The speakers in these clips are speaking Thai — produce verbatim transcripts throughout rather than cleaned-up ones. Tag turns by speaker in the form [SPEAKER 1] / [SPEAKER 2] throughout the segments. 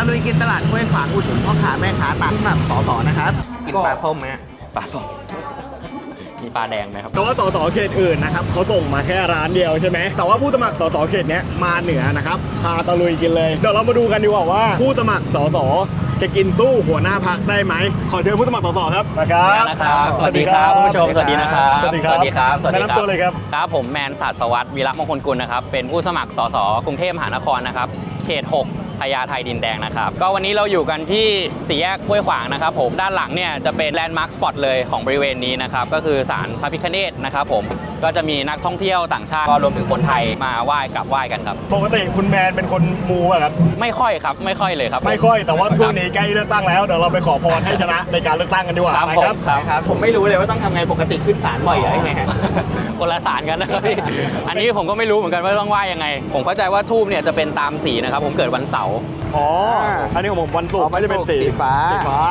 [SPEAKER 1] ตะลุยกินตลาดห้วยขวางอุดหนุนพ่อค้าแม่ค้าตามที่แบบสอๆนะครับกินปลาส้มไหมปลาส้มมีปลาแดงไหมครับ
[SPEAKER 2] แต่ว่าสสเขตอื่นนะครับเขาส่งมาแค่ร้านเดียวใช่ไหมแต่ว่าผู้สมัครสสเขตเนี้ยมาเหนือนะครับพาตะลุยกินเลยเดี๋ยวเรามาดูกันดีกว่าว่าผู้สมัครสสจะกินสู้หัวหน้าพรรคได้ไหมขอเชิญผู้สมัครสสครับนะครับ
[SPEAKER 3] นะครับสวัสดีครับคุณผู้ชมสวัสดีนะครับ
[SPEAKER 2] สวัสดีครับ
[SPEAKER 3] สวัสดีครับสวัสดีครับ
[SPEAKER 2] แนะนำตัวเลยครับ
[SPEAKER 3] ครับผมแมนศาสตร์สวัสดิ์วีระมงคลกุลนะครับเป็นผู้สมัครสสกรุงเทพมหานครนะครับเขตหกพญาไทดินแดงนะครับก็วันนี้เราอยู่กันที่สี่แยกห้วยขวางนะครับผมด้านหลังเนี่ยจะเป็นแลนด์มาร์คสปอตเลยของบริเวณนี้นะครับก็คือศาลพระพิฆเนศนะครับผมก็จะมีนักท่องเที่ยวต่างชาติก็รวมถึงคนไทยมาไหว้กราบไหว้กันครับ
[SPEAKER 2] ปกติคุณแมนเป็นคนมูป่ะครับ
[SPEAKER 3] ไม่ค่อยครับไม่ค่อยเลยครับ
[SPEAKER 2] ไม่ค่อยแต่ว่าช่วงนี้ใกล้เลือกตั้งแล้วเดี๋ยวเราไปขอพรให้ชนะในการเลือกตั้งกันดีกว่า
[SPEAKER 3] ครับผมครับผมไม่รู้เลยว่าต้องทำไงปกติขึ้นศาลบ่อยหรือไงคนละศาลกันนะครับพี่อันนี้ผมก็ไม่รู้เหมือนกันว่าต้องไหว้ยังไงผมเข้าใจว่าธูปเนี่ยจะเป็นตามสีนะครับผมเกิดวันเสาร์
[SPEAKER 2] อ๋ออันนี้ของผมวันศุกร์ไม่จะเป็นสี
[SPEAKER 1] ฟ้า
[SPEAKER 2] สีฟ้า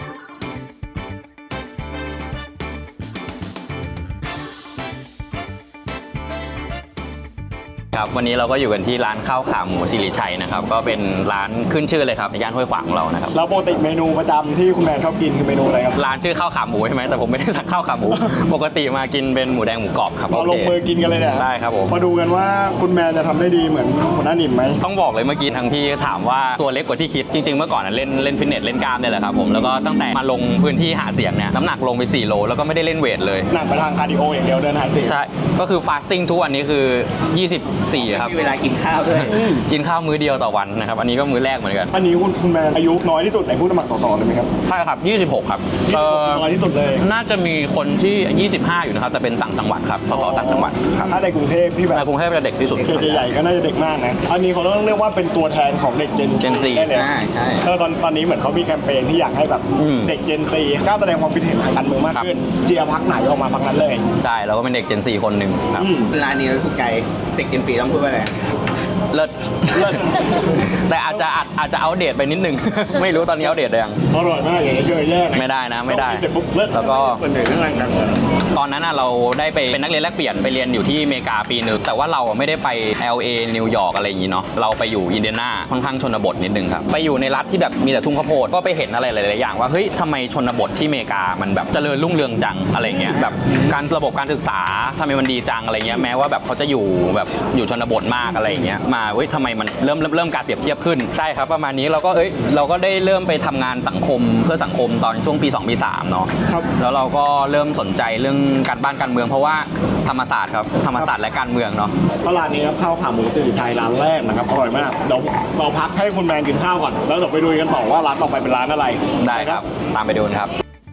[SPEAKER 3] ครับวันนี้เราก็อยู่กันที่ร้านข้าวขาหมูสิริชัยนะครับก็เป็นร้านขึ้นชื่อเลยครับในย่านห้วยขวางของเรานะครับ
[SPEAKER 2] แล้วปกติเมนูประจำที่คุณแมนชอบกินคือเมนูอะไรครับ
[SPEAKER 3] ร้านชื่อข้าวขาหมูใช่ไหมแต่ผมไม่ได้สั่งข้าวขาหมู ปกติมากินเป็นหมูแดงหมูกรอบครับ
[SPEAKER 2] เราลงมือกินกันเลยเนี่ย
[SPEAKER 3] ได้ครับผม
[SPEAKER 2] มาดูกันว่าคุณแมนจะทำได้ดีเหมือนหัวหน้าหนิมไหม
[SPEAKER 3] ต้องบอกเลยเมื่อกี้ทางพี่ถามว่าตัวเล็กกว่าที่คิดจริงๆเมื่อก่อนเล่นเล่นฟิตเนสเล่นกล้ามเนี่ยแหละครับผมแล้วก็ตั้งแต่มาลงพื้นที่หาเสียงเนี่ยน้ำหนักลงไปสี่โลแล้วก็ไม่ได้เล่นเวทเลย
[SPEAKER 2] หนักไปทางคาร์ดิโออย่างเดียวเดินหาเสียง
[SPEAKER 3] ใช่ก็คือฟาสติ้งทุกวันนี้คือยี่สิบสี่ครับ
[SPEAKER 1] เวลากินข้าว
[SPEAKER 3] กินข้าวมื้อเดียวต่อวันนะครับอันนี้ก็มื้อแรกเหมือนกัน
[SPEAKER 2] อันนี้คุณคุณแมนอายุน้อยที่สุดในผู้สมัครสสเลยไหมครับ
[SPEAKER 3] ใช่ครับยี่สิบหกครับ
[SPEAKER 2] น้อยที่สุดเลย
[SPEAKER 3] น่าจะมีคนที่ยี่สิบห้าอยู่นะครับแต่เป็นต่างจังหวัดครับสสต่างจังหวัดครับ
[SPEAKER 2] ถ้าในกรุงเทพที่แบบ
[SPEAKER 3] ในกรุงเทพจะเด็กที่สุด
[SPEAKER 2] เขตใหญ่ๆก็น่าจะเด็กมากนะอันนี้เขาต้องเรียกว่าเป็นตัวแทนของเด็กเจน
[SPEAKER 3] เจนซี
[SPEAKER 2] ใช่ใช่เออตอนตอนนี้เหมือนเขามีแคมเปญที่อยากให้แบบเด็กเจนซีกล้าแสดงความคิดเห็นทางการเมืองมากขึ้นเชียร์พรรคไหนออกมาพรรคนั้นเลย
[SPEAKER 3] ใช่เราก็เป็นเด็กเจนซีคนหนึ่งครับ
[SPEAKER 1] ร้านนี้ถูกใจเด็กเจนซีต้องพูดว่าอะไร
[SPEAKER 3] เลิศเลิศแต่อาจจะอาจจะอัปเดตไปนิดนึงไม่รู้ตอนนี้อัปเดตหรือยัง
[SPEAKER 2] อร่อยมากอย่างนี้เยอะแยะ
[SPEAKER 3] ไม่ได้นะไม่ได้แล้วก็ตอนนั้นเราได้ไปเป็นนักเรียนแลกเปลี่ยนไปเรียนอยู่ที่อเมริกาปีหนึ่งแต่ว่าเราไม่ได้ไป แอล เอ นิวยอร์กอะไรอย่างนี้เนาะเราไปอยู่อินเดียนาค่อนข้างชนบทนิดนึงครับไปอยู่ในรัฐที่แบบมีแต่ทุ่งข้าวโพดก็ไปเห็นอะไรหลายๆอย่างว่าเฮ้ยทำไมชนบทที่อเมริกามันแบบเจริญรุ่งเรืองจังอะไรเงี้ยแบบการระบบการศึกษาทำไมมันดีจังอะไรเงี้ยแม้ว่าแบบเขาจะอยู่แบบอยู่ชนบทมากอะไรเงี้ยมาเฮ้ยทำไมมันเริ่มเริ่มเริ่มการเปรียบเทียบขึ้นใช่ครับประมาณนี้เราก็เอ้ยเราก็ได้เริ่มไปทำงานสังคมเพื่อสังคมตอนช่วงปีสองปีสามเนาะแล้วเราก็เริ่มสนใจเรื่องการบ้านการเมืองเพราะว่าธรรมศาสตร์ครับธรรมศาสตร์และการเมืองเนาะ
[SPEAKER 2] ร้านนี้ครับข้าวขาหมูสิริชัยร้านแรกนะครับอร่อยมากเดี๋ยวเราพักให้คุณแมนกินข้าวก่อนแล้วเดี๋ยวไปดูกันต่อว่าร้านต่อไปเป็นร้านอะไร
[SPEAKER 3] ได้ครับตามไปดูครับ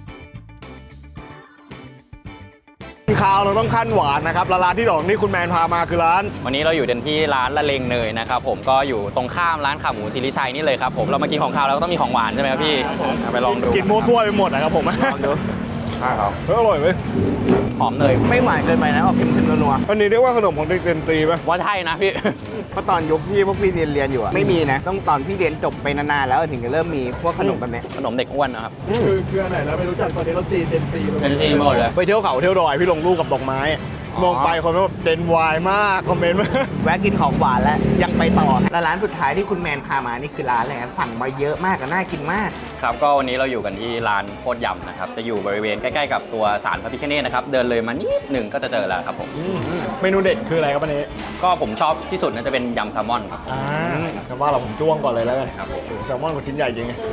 [SPEAKER 2] ข้าวเราต้องขั้นหวานนะครับร้านที่สองที่คุณแมนพามาคือร้าน
[SPEAKER 3] วันนี้เราอยู่ที่ร้านละเลงเนยนะครับผมก็อยู่ตรงข้ามร้านขาหมูสิริชัยนี่เลยครับผมเรามากินของข้าวเราก็ต้องมีของหวานใช่ไหมครับพี่ไปลองดู
[SPEAKER 2] กินโม้ทั่วไปหมดนะครับผมลองดู
[SPEAKER 3] ใช่ครับ
[SPEAKER 2] อร่อยไหม
[SPEAKER 3] หอมเนย
[SPEAKER 1] ไม่หวานเกินไปนะออกเค็มๆนัว
[SPEAKER 2] ๆอันนี้เรียกว่าขนมของเด็กเรียนตีไหม
[SPEAKER 3] ว่าใช่นะพี่
[SPEAKER 1] เพราะตอนยุคที่พวกพี่เรียนเรียนอยู่อะไม่มีนะต้องตอนพี่เรียนจบไปนานๆแล้วถึงจะเริ่มมีพวกขนมแบบนี้
[SPEAKER 3] ขนมเด็กอ้วนนะครับ
[SPEAKER 2] คือคืออันไหนแล้วไม่รู้จักตอนนี้เราตีเต็มตี
[SPEAKER 3] เต็มตีหมดเลย
[SPEAKER 2] ไปเที่ยวเขาเที่ยวดอยพี่ลงรูปกับดอกไม้มองไปคนแบบเดนวายมากคอมเมนต์มา
[SPEAKER 1] แวะกินของหวานแล้วยังไปต่อแล้วร้านสุดท้ายที่คุณแมนพามานี่คือร้านอะไรสั่งมาเยอะมากน่ากินมาก
[SPEAKER 3] ครับก็วันนี้เราอยู่กันที่ร้านโคตรยำนะครับจะอยู่บริเวณใกล้ๆกับตัวศาลพระพิฆเนศนะครับเดินเลยมานิดหนึ่งก็จะเจอแล้วครับผม
[SPEAKER 2] เมนูเด็ดคืออะไรครับวันนี้
[SPEAKER 3] ก็ผมชอบที่สุดน่าจะเป็นยำแซลมอนครับ
[SPEAKER 2] อ่าคำว่าเราผมจ้วงก่อนเลยแล้วกันครับแซลมอนกับชิ้นใหญ่จริงไง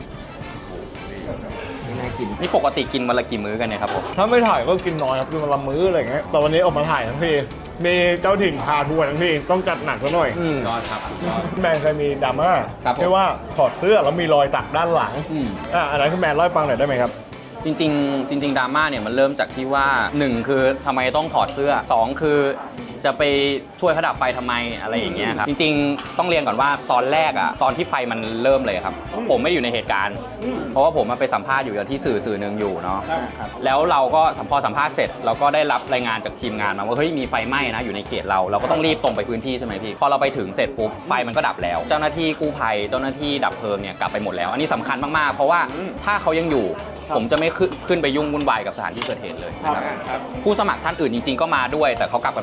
[SPEAKER 3] น่ากินนี่ปกติกินวันละกี่มื้อกันเนี่ยครับผม
[SPEAKER 2] ถ้าไม่ถ่ายก็กินน้อยครับกินวันละมื้ออะไรอย่างเงี้ยแต่วันนี้ออกมาถ่ายทั้งทีมีเจ้าถิ่นพาทัวร์ทั้งทีต้องจัดหนักซะหน่อย
[SPEAKER 3] ยอดครับ
[SPEAKER 2] แมนเคยมีดราม่าที่ว่าถอดเสื้อแล้วมีรอยสักด้านหลังอ่าอันนั้นคุณแมนเล่าให้ฟังหน่อยได้ไหมครับ
[SPEAKER 3] จริงๆจริงๆดราม่าเนี่ยมันเริ่มจากที่ว่าหนึ่งคือทำไมต้องถอดเสื้อสองคือจะไปช่วยเขาดับไฟทำไมอะไรอย่างเงี้ยครับจริงๆต้องเรียนก่อนว่าตอนแรกอ่ะตอนที่ไฟมันเริ่มเลยครับผมไม่อยู่ในเหตุการณ์เพราะว่าผมมาไปสัมภาษณ์อยู่ที่สื่อสื่อหนึ่งอยู่เนาะแล้วเราก็พอสัมภาษณ์เสร็จเราก็ได้รับรายงานจากทีมงานมาว่าเฮ้ยมีไฟไหม้นะอยู่ในเขตเราเราก็ต้องรีบตรงไปพื้นที่ใช่ไหมพี่พอเราไปถึงเสร็จปุ๊บไฟมันก็ดับแล้วเจ้าหน้าที่กู้ภัยเจ้าหน้าที่ดับเพลิงเนี่ยกลับไปหมดแล้วอันนี้สำคัญมากๆเพราะว่าถ้าเขายังอยู่ผมจะไม่ขึ้นไปยุ่งวุ่นวายกับสถานที่เกิดเหตุเลยนะครับผู้สมัครท่านอื่นจริงๆก็มาด้วยแต่เขากลับกันไปหมดแล้วเนื่อง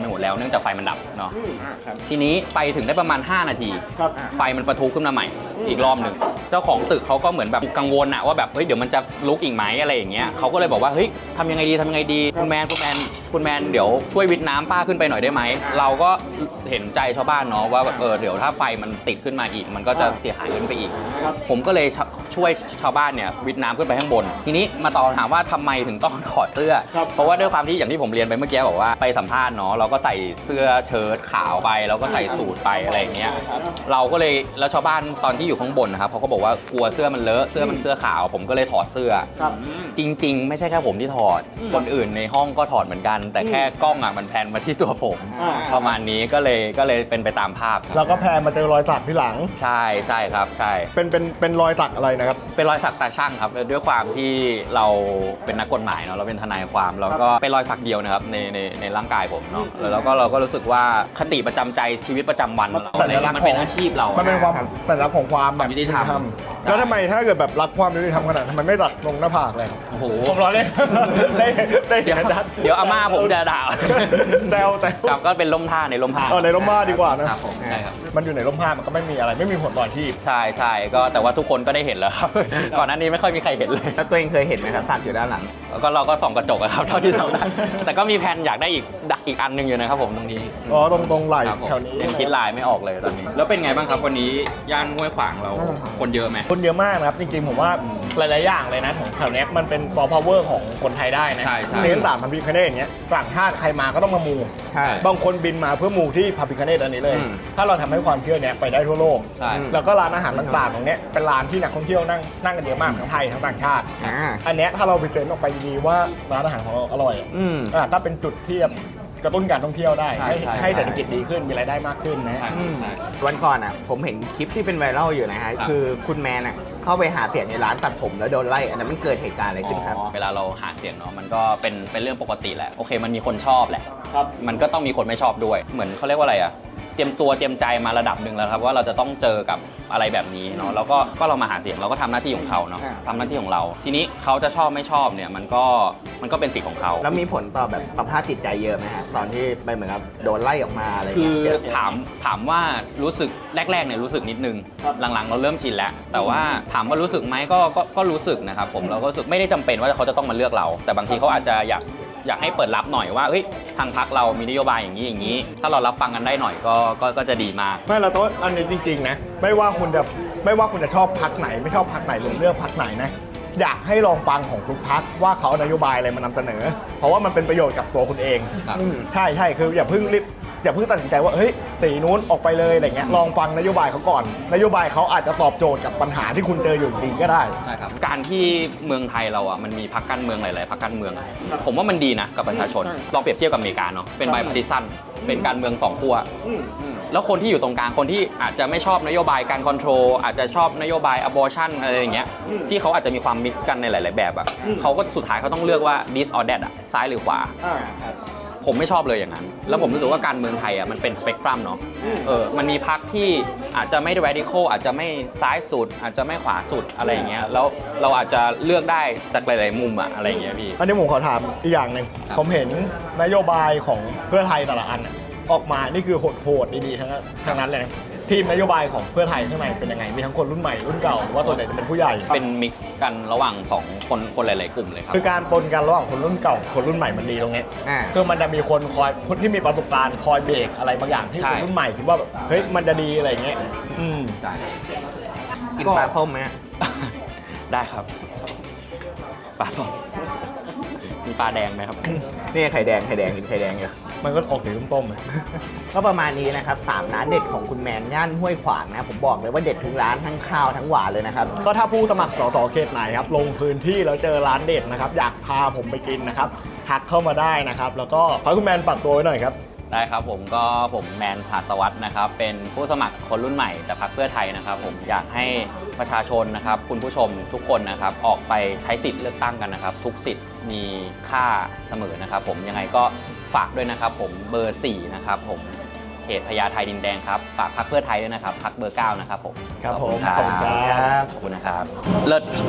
[SPEAKER 3] นื่องจากไฟมันดับเนาะ
[SPEAKER 2] อืมอ่าครับ
[SPEAKER 3] ทีนี้ไปถึงได้ประมาณ ห้า นาที
[SPEAKER 2] ครับ
[SPEAKER 3] ไฟมันประทุขึ้นมาใหม่อีกรอบหนึ่งเจ้าของตึกเขาก็เหมือนแบบกังวลอะว่าแบบเฮ้ยเดี๋ยวมันจะลุกอีกไหมอะไรอย่างเงี้ยเขาก็เลยบอกว่าเฮ้ยทำยังไงดีทำยังไงดีคุณแมนคุณแมนคุณแมนเดี๋ยวช่วยวิทน้ำป้าขึ้นไปหน่อยได้ไหมเราก็เห็นใจชาวบ้านเนาะว่าแบบเออเดี๋ยวถ้าไฟมันติดขึ้นมาอีกมันก็จะเสียหายขึ้นไปอีก
[SPEAKER 2] ครับ
[SPEAKER 3] ผมก็เลยช่วยชาวบ้านเนี่ยวิทน้ำขึ้นไปข้างบน ทีนี้มาตอบถามว่าทำไมถึงต้องถอดเสื้อ
[SPEAKER 2] ครับ
[SPEAKER 3] เพราะว่าด้วยความที่อย่างที่ผมเรียนไปเมื่อกี้บอกว่าไปสัมภาษณ์เนาะเราก็ใส่เสื้อเชิ้ตขาวไปแล้วก็ใส่สูทไปอะไรอย่างเงี้ยเราก็เลยแล้วชาวบ้านตอนที่อยู่ข้างบนนะครับเขาก็บอกว่ากลัวเสื้อมันเลอะเสื้อมันเสื้อขาว ผมก็เลยถอดเสื้อ
[SPEAKER 2] ครับ
[SPEAKER 3] จริง ๆ ไม่ใช่แค่ผมที่ถอด คนอื่นในห้องก็ถอดเหมือนกัน แต่แค่กล้องอ่ะมันแพนมาที่ตัวผม
[SPEAKER 2] อ่า
[SPEAKER 3] ประมาณนี้ก็เลยก็เลยเป็นไปตามภาพครับ
[SPEAKER 2] แล้วก็แพนมาเจอรอยสักที่หลัง
[SPEAKER 3] ใช่ใช่ครับใช่
[SPEAKER 2] เป็นเป็นเป็นรอยสักอะไรนะครับ
[SPEAKER 3] เป็นรอยสักตาช่างครับด้วยความที่เราเป็นนักกฎหมายเนาะเราเป็นทนายความแล้วก็เป็นรอยสักเดียวนะครับในในในร่างกายผมเนาะแล้วก็เราก็รู้สึกว่าคติประจำใจชีวิตประจำวันเราอะไรเงี้ยมันเป็นอาชีพเรา
[SPEAKER 2] มันเป็นความ
[SPEAKER 3] ครับ
[SPEAKER 2] สัญลักษณ์ของความแบบ
[SPEAKER 3] ยุติธรรม
[SPEAKER 2] แล้วทำไมถ้าเกิดแบบรักความยุติธรรมขนาดนั้นทำไมไม่ตัดลงหน้าผากเลยครับ
[SPEAKER 3] โอ้โห
[SPEAKER 2] ผมรอเล่น ได้ได้
[SPEAKER 3] เดี๋ยว
[SPEAKER 2] เห็นชัด
[SPEAKER 3] เดี๋ยวอาม่าผมจะด่า
[SPEAKER 2] แซวแต่
[SPEAKER 3] ครับก็เป็นล่มผ้าในล่มผ้า
[SPEAKER 2] เออในร่มผ้าดีกว่านะครับ
[SPEAKER 3] ผมใช่ครับ
[SPEAKER 2] มันอยู่ในร่มผ้ามันก็ไม่มีอะไรไม่มีผลต่ออาชีพ
[SPEAKER 3] ใช่ใช่ก็แต่ว่าทุกคนก็ได้เห็นแล้วครับ ก่อนหน้านี้ไม่ค่อยมีใครเห็นเลย
[SPEAKER 1] แล้วตัวเองเคยเห็นไหมครับสักอยู่ด้านหลัง
[SPEAKER 3] แล้วก็เราก็ส่องกระจกอะครับเท่าที่ทำได้แต่ก็มีแผนอยากได้อีกดักอีกอันหนึงอยู่นะครับผมตรงนี้
[SPEAKER 2] อ๋อตรงตรงไหล่
[SPEAKER 3] ครับผม
[SPEAKER 2] แถวนี้
[SPEAKER 3] ยังคิดลายไม่ออกเลยตอนนี้ แล้วเป็นไงบ้างครับวันนี้ย่านห้วยขวางเราคนเยอะไหม
[SPEAKER 2] คนเยอะมากนะครับจริงๆผมว่าหลายๆอย่างเลยนะของแถวเนี้ยมันเป็นปอพาวเวอร์ของคนไทยได้นะ
[SPEAKER 3] ใช่ใช่
[SPEAKER 2] เน้นต่างพันพิคเนตอย่างเงี้ยต่างชาติใครมาก็ต้องมามู
[SPEAKER 1] ใช่
[SPEAKER 2] บางคนบินมาเพื่อมูที่พาพิคเนตอันนี้เลย
[SPEAKER 3] อืม
[SPEAKER 2] ถ้าเราทำให้ความเชื่อเนี้ยไปได้ทั่วโลก
[SPEAKER 3] ใช่
[SPEAKER 2] แล้วก็ร้านอาหารต่างๆตรงเนี้ยเป็นร้านที่นักท่องเที่ยวนั่งนั่งกันเยอะมากทั้งไทยทั้งต่างชาติ
[SPEAKER 1] อ่า
[SPEAKER 2] อันเนี้ยถ้าเราไปเซ็นออกไปดีๆว่าร้านอาหารของเราอร่อยอะ
[SPEAKER 1] อืม
[SPEAKER 2] อ่ะก็เป็นจุดที่แบบกระตุ้นการท่องเที่ยวได้
[SPEAKER 3] ใช่
[SPEAKER 2] ให้
[SPEAKER 3] ใช่
[SPEAKER 2] ให้เศรษฐกิจดีขึ้นมีรายได้มากขึ้นนะ
[SPEAKER 3] ใช่
[SPEAKER 1] อืม
[SPEAKER 3] ใช่
[SPEAKER 1] วันก่อนอ่ะผมเห็นคลิปที่เป็นไวรัลอยู่นะฮะ
[SPEAKER 3] ครับ
[SPEAKER 1] คือคุณแมนอ่ะเข้าไปหาเสียงในร้านตัดผมแล้วโดนไล่อันนั้นมันเกิดเหตุการณ์อะไรขึ้นครับ
[SPEAKER 3] อ๋อเวลาเราหาเสียงเนาะมันก็เป็นเป็นเรื่องปกติแหละโอเคมันมีคนชอบแหละ
[SPEAKER 2] ครับ
[SPEAKER 3] มันก็ต้องมีคนไม่ชอบด้วย เหมือนเขาเรียกว่าอะไรอะเตรียมตัวเตรียมใจมาระดับหนึ่งแล้วครับว่าเราจะต้องเจอกับอะไรแบบนี้เนาะแล้วก็ก็เรามาหาเสียงเราก็ทำหน้าที่ของเขาเนาะ
[SPEAKER 1] อ่า
[SPEAKER 3] ทำหน้าที่ของเรา ทีนี้เขาจะชอบไม่ชอบเนี่ยมันก็มันก็เป็นสิทธิ์ของเขา
[SPEAKER 1] แล้วมีผลต่อแบบสภาพจิตใจเยอะไหมฮะตอนที่ไปเหมือนกับโดนไล่ออกมาอะไร
[SPEAKER 3] คื
[SPEAKER 1] เงี้
[SPEAKER 3] อย
[SPEAKER 1] เจอ
[SPEAKER 3] ถามถามว่ารู้สึกแรกๆเนี่ยรู้สึกนิดนึง
[SPEAKER 2] ครับ
[SPEAKER 3] หลังๆเราเริ่มชินแล้ว แต่ว่าถามว่ารู้สึกไหมก็ก็ก็รู้สึกนะครับผมเราก็รู้สึกไม่ได้จำเป็นว่าเขาจะต้องมาเลือกเรา แต่บางทีเขาอาจจะอยากอยากให้เปิดรับหน่อยว่าเฮ้ยทางพรรคเรามีนโยบายอย่างนี้อย่างนี้ ถ้าเรารับฟังกันได้หน่อยก็ก็ก็จะดีมาก
[SPEAKER 2] ไม่เราต้องอันนี้จริงๆนะไม่ว่าคุณจะไม่ว่าคุณจะชอบพักไหน ไม่ชอบพักไหนหรือเลือกพักไหนนะอยากให้ลองฟังของทุกพักว่าเขาเอานโยบายอะไรมานำเสนอ เพราะว่ามันเป็นประโยชน์กับตัวคุณเอง
[SPEAKER 3] ครับ
[SPEAKER 2] อืมใช่ใช่คืออย่าเพิ่งรีบอย่าเพิ่งตัดสินใจว่าเฮ้ยตีนู้นออกไปเลยอะไรเงี้ยลองฟังนโยบายเขาก่อน นโยบายเขาอาจจะตอบโจทย์กับปัญหาที่คุณเจออยู่จริงก็ได้
[SPEAKER 3] ใช่ครับการที่เมืองไทยเราอ่ะมันมีพรรคการเมืองหลายๆพรรคการเมืองอะผมว่ามันดีนะกับประชาชนลองเปรียบเทียบกับอเมริกาเนาะเป็นไบพาร์ติซันเป็นการเมืองสองขั้วแล้วคนที่อยู่ตรงกลางคนที่อาจจะไม่ชอบนโยบายการคอนโทรลอาจจะชอบนโยบาย abortion อะไรอย่างเงี้ยที่เขาอาจจะมีความมิกซ์กันในหลาย ๆ แบบอ่ะเขาก็สุดท้ายเขาต้องเลือกว่า this or that อ่ะซ้ายหรือขวา ผมไม่ชอบเลยอย่างนั้น แล้วผมรู้สึกว่าการเมืองไทยอ่ะมันเป็นสเปกตรัมเนาะ เออ มันมีพรรคที่อาจจะไม่ radical อาจจะไม่ซ้ายสุด อาจจะไม่ขวาสุดอะไรอย่างเงี้ย แล้วเราอาจจะเลือกได้จากหลายๆมุมอะอะไรอย่างเงี้ยพี่
[SPEAKER 2] อันนี้ผมขอถามอีกอย่างหนึ่ง
[SPEAKER 3] ครับ
[SPEAKER 2] ผมเห็นนโยบายของเพื่อไทยแต่ละอันอะออกมานี่คือโหดๆดีๆทั้งนั้นทั้งนั้นเลยนะทีมนโยบายของเพื่อไทยข้างในเป็นยังไงมีทั้งคนรุ่นใหม่รุ่นเก่าหรือว่าตัวไหนจะเป็นผู้ใหญ่
[SPEAKER 3] เป็นมิกซ์กันระหว่างสองคนคนหลาย ๆ กลุ่มเลยครับ
[SPEAKER 2] คือการปนกันระหว่างคนรุ่นเก่าคนรุ่นใหม่มันดีตรงเนี้ย
[SPEAKER 1] อ่า
[SPEAKER 2] คือมันจะมีคนคอยคนที่มีประสบการณ์คอยเบรกอะไรบางอย่างที่
[SPEAKER 3] ใช่
[SPEAKER 2] คนรุ่นใหม่คิดว่าแบบเฮ้ยมันจะดีอะไรอย่างเงี้ยอืม
[SPEAKER 3] ได้
[SPEAKER 1] กินปลาส้มไหมฮะ
[SPEAKER 3] ได้ครับ ปลาสดมีปลาแดงไหมครับ
[SPEAKER 1] นี่ไข่แดงไข่แดงกินไข่แดงอยู่
[SPEAKER 2] มันก็ออกสีต้มๆเลย
[SPEAKER 1] ก็ประมาณนี้นะครับสามร้านเด็ดของคุณแมนย่านห้วยขวางนะผมบอกเลยว่าเด็ดทุกร้านทั้งข้าวทั้งหวานเลยนะครับ
[SPEAKER 2] ก็ถ้าผู้สมัครสสเขตไหนครับลงพื้นที่แล้วเจอร้านเด็ดนะครับอยากพาผมไปกินนะครับทักเข้ามาได้นะครับแล้วก็ขอให้คุณแมนฝากตัวไว้หน่อยครับ
[SPEAKER 3] ได้ครับผมก็ผมแมนผาสวัสด์นะครับเป็นผู้สมัครคนรุ่นใหม่แต่พรรคเพื่อไทยนะครับผมอยากให้ประชาชนนะครับคุณผู้ชมทุกคนนะครับออกไปใช้สิทธิ์เลือกตั้งกันนะครับทุกสิทธิ์มีค่าเสมอนะครับผมยังไงก็ฝากด้วยนะครับผมเบอร์สี่นะครับผมเขตพญาไทดินแดงครับฝากพรรคเพื่อไทยด้วยนะครับพรรคเบอร์เก้านะครับผม
[SPEAKER 2] ครับผม
[SPEAKER 3] ขอบคุณครับ
[SPEAKER 2] ขอบคุณครับ
[SPEAKER 3] ขอบคุณนะครับเลิศ